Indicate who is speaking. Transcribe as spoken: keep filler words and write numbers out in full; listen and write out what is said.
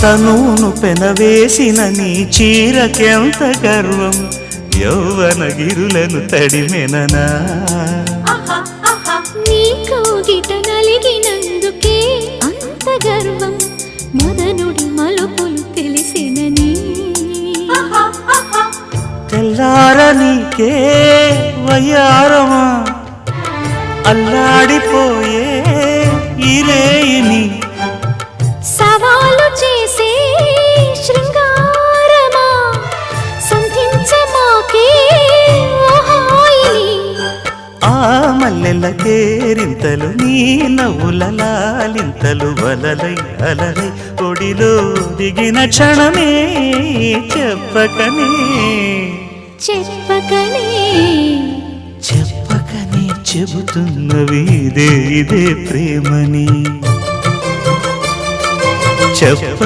Speaker 1: తనును పెనవేసిన నీ చీరకెంత గర్వం యౌవన గిరులను తడిమెననా
Speaker 2: నీ కౌగిట నలిగినందుకే అంత గర్వం మదనుడి మలుపులు తెలిసినని
Speaker 1: తెల్లార నీకే వయ్యారమా అల్లాడిపోయే ఇరేయిని
Speaker 2: సవాలు చేసే శృంగారమా సంధించమాకే ఓహాయిని
Speaker 1: ఆ మల్లెల కేరింతలు నీ నవ్వుల లాలింతలు వలలై అలలై ఒడిలో దిగిన క్షణమే చెప్పకనే
Speaker 2: చెప్పకనే
Speaker 1: చెప్పకనే చెబుతున్నవి ఇదే ఇదే ప్రేమని చెప్ప